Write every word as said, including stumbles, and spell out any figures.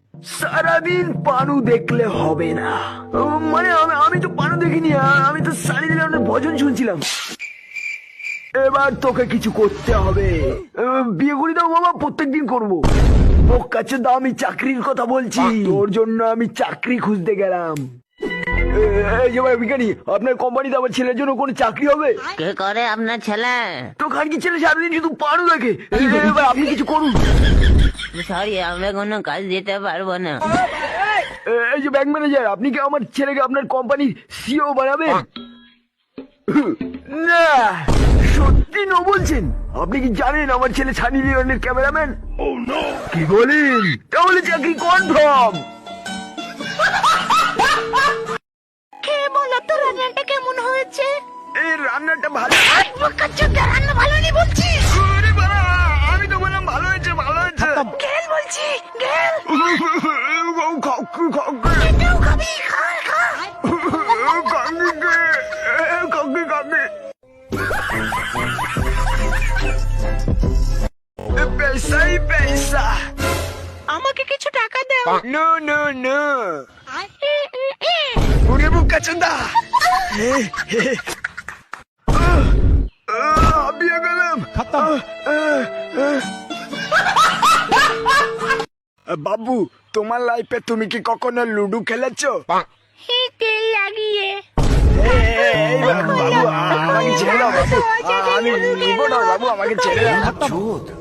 সারাদিন পানু দেখলে হবে না। মানে আমি তো পানু দেখিনি, আমি তো সানি লিওনের ভজন শুনছিলাম। এবার তোকে কিছু করতে হবে। বিয়ে করি দাও বাবা, প্রত্যেকদিন করবো। কাছে দাও, আমি চাকরির কথা বলছি। তোর জন্য আমি চাকরি খুঁজতে গেলাম। এই যে ভাই বিজ্ঞানী, আপনার কোম্পানিতে আমার ছেলের জন্য কোনো চাকরি হবে? কে করে আপনার ছেলে? তো খানকি ছেলে সারাদিন শুধু পানু দেখে। এবার আপনি কিছু করুন। সরি, আমরা কোনো কাজ দিতে পারবো না। এই যে ব্যাংক ম্যানেজার, আপনি কি আমার ছেলেকে আপনার কোম্পানির সিও বানাবেন? না, সত্যি ন বলছেন? আপনি কি জানেন আমার ছেলে সানি লিওনের ক্যামেরাম্যান? কি বলেন? তাহলে চাকরি কনফার্ম। খেয়ে বলো তো রান্নাটা কেমন হয়েছে? এই রান্নাটা ভালো। রান্না ভালো নেই বলছি। আরে বাবা, আমি তো বললাম ভালো হয়েছে, ভালো হয়েছে। গেল বলছি, গেল। এটাও খাবি, খা খা। पैसा ही पैसा। আমাকে কিছু টাকা দাও। No no no. उन्हें मुक्का चंदा। अभी गलम खत्म। বাবু, তোমার লাইফে তুমি কি কখনো লুডো খেলেছো? তেল লাগিয়ে। এই বাবু, আমাকে ছেড়ে দাও বাবু, আমি নিবো না বাবু, আমাকে ছেড়ে দাও।